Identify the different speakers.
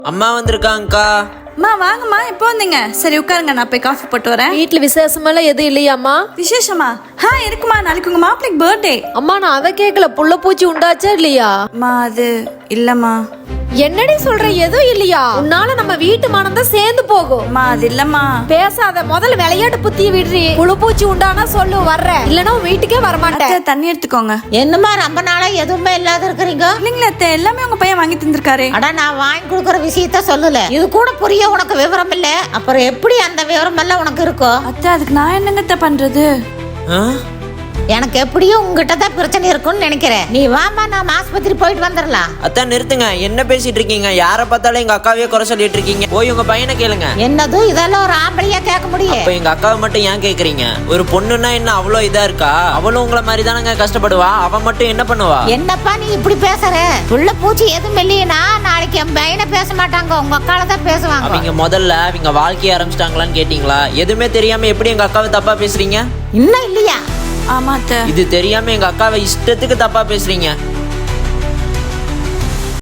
Speaker 1: அம்மா வந்திருக்காங்கக்கா.
Speaker 2: அம்மா வாங்கம்மா, எப்போ வந்தீங்க? சரி உட்காருங்க, நான் போய் காஃபி போட்டு வரேன்.
Speaker 3: வீட்டுல விசேஷமெல்லாம் எதுவும் இல்லையாம்மா?
Speaker 2: விசேஷமா? இருக்குமா, நாளைக்கு உங்க மாப்பிளைக்கு பர்த்டே.
Speaker 3: அம்மா நான் அதை கேட்கல, புள்ள பூச்சி உண்டாச்சா இல்லையா?
Speaker 2: அம்மா அது இல்லம்மா.
Speaker 3: என்னடி சொல்ற, எதுவும் இல்லையா? உன்னால நம்ம வீட்டு மனதான் சேர்ந்து போகும்.
Speaker 2: அம்மா அது இல்லம்மா.
Speaker 3: பேசாத, முதல்ல விளையாட்டு புத்திய விடுறி. புழு பூச்சி உண்டானா சொல்லு, வர்றேன். இல்லன்னா உன் வீட்டுக்கே வரமாட்டேன்.
Speaker 2: அத்தை, தண்ணி எடுத்துக்கோங்க.
Speaker 4: என்னமா ரொம்ப நாளா எதுவுமே இல்லாத இருக்கிறீங்க?
Speaker 2: இல்லைங்களா அத்தை, எல்லாமே உங்க பையன் வாங்கி தந்திருக்காரு.
Speaker 4: அட நான் வாங்கி கொடுக்கற விஷயத்த சொல்லல, இது கூட புரிய உனக்கு விவரம் இல்ல. அப்புறம் எப்படி அந்த விவரம் எல்லாம் உனக்கு இருக்கும்?
Speaker 2: அத்தை, அதுக்கு நான் என்னங்க அத்தை பண்றது?
Speaker 1: ஆ?
Speaker 4: எனக்கு எப்படியும் உங்ககிட்ட தான் பிரச்சனை இருக்கும்னு நினைக்கிறேன். நீ வாமா, நாம ஆஸ்பத்திரி போயிட்டு வந்துடலாம்.
Speaker 1: அத்தா நிறுத்துங்க, என்ன பேசிட்டு இருக்கீங்க? யாரை பார்த்தாலும் எங்க அக்காவையே குறை சொல்லிட்டு இருக்கீங்க. போய் உங்க பையனை கேளுங்க.
Speaker 4: என்னது இதெல்லாம் ஒரு ஆம்பளையா கேட்க முடியும்?
Speaker 1: இப்ப எங்க அக்காவை மட்டும் ஏன் கேக்குறீங்க? ஒரு பொண்ணுன்னா என்ன அவ்வளோ இதா இருக்கா? அவளும் உங்களை மாதிரி தானங்க கஷ்டப்படுவா. அவன் மட்டும் என்ன பண்ணுவா?
Speaker 4: என்னப்பா நீ இப்படி பேசுற? புள்ள பூச்சி எதுவும் இல்லையா? நாளைக்கு என் பையனை பேச மாட்டாங்க, உங்க அக்கால தான் பேசுவாங்க.
Speaker 1: அவங்க முதல்ல அவங்க வாழ்க்கைய ஆரம்பிச்சிட்டாங்களான்னு கேட்டீங்களா? எதுவுமே தெரியாம எப்படி எங்க அக்காவை தப்பா பேசுறீங்க?
Speaker 4: இன்னும் இல்லையா?
Speaker 2: ஆமா அத்தை.
Speaker 1: இது தெரியாம எங்க அக்காவை இஷ்டத்துக்கு தப்பா பேசுறீங்க.